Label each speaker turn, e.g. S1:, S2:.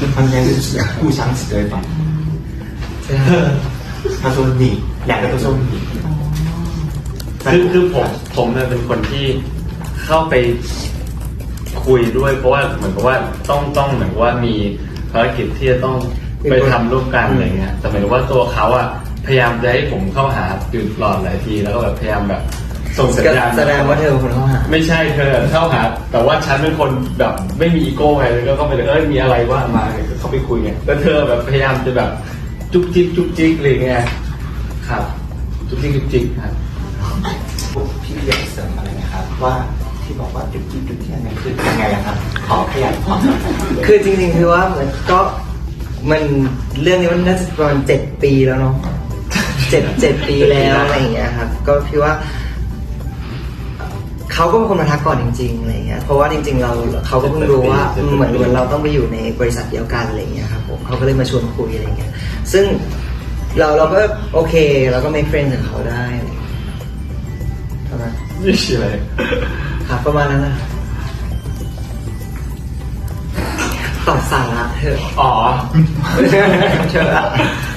S1: 他应该是互相指对方。他说你，两个都说你。
S2: คือผมเนี่ยเป็นคนที่เข้าไปคุยด้วยเพราะว่าเหมือนกับว่าต้องเหมือนว่ามีภารกิจที่จะต้องไปทำร่วมกันอะไรเงี้ยแต่หมายถึงว่าตัวเขาอะพยายามจะให้ผมเข้าหาอยู่ตลอดหลายทีแล้วก็แบบพยายามแบบส่งสัญญาณ
S3: แสดงว่าเธอเป็นคนเข้าหา
S2: ไม่ใช่เธอเข้าหาแต่ว่าฉันเป็นคนแบบไม่มีอีโก้ไงแล้วก็เข้าไปเลยมีอะไรว่ามาก็เข้าไปคุยไงแล้วเธอแบบพยายามจะแบบจุกจิกจุกจิกอะไรเงี้ยครับจุกจิกจุกจิกครับ
S1: พี่อยากเสริมอะไรนะครับว่าที่บอกว่าจุดที่ยังไงคือยังไงครับขอขยายความ
S3: คือจริงๆคือว่ามันเรื่องนี้มันน่าจะประมาณ7 ปีแล้วเนาะ7 ปีแล้วอะไรอย่างเงี้ยครับก็พี่ว่าเขาก็เป็นคนมาทักก่อนจริงๆอะไรเงี้ยเพราะว่าจริงๆเขาก็เพิ่งรู้ว่าเหมือนเราต้องไปอยู่ในบริษัทเดียวกันอะไรเงี้ยครับผมเขาก็เลยมาชวนคุยอะไรเงี้ยซึ่งเราก็โอเคเราก็ make friends กับเขาได้ใช่ไหม
S2: นี่ใช่ไหม
S3: ครับประมาณนั้นนะตอบสาระเถอะ
S2: อ๋อ
S3: เถอะ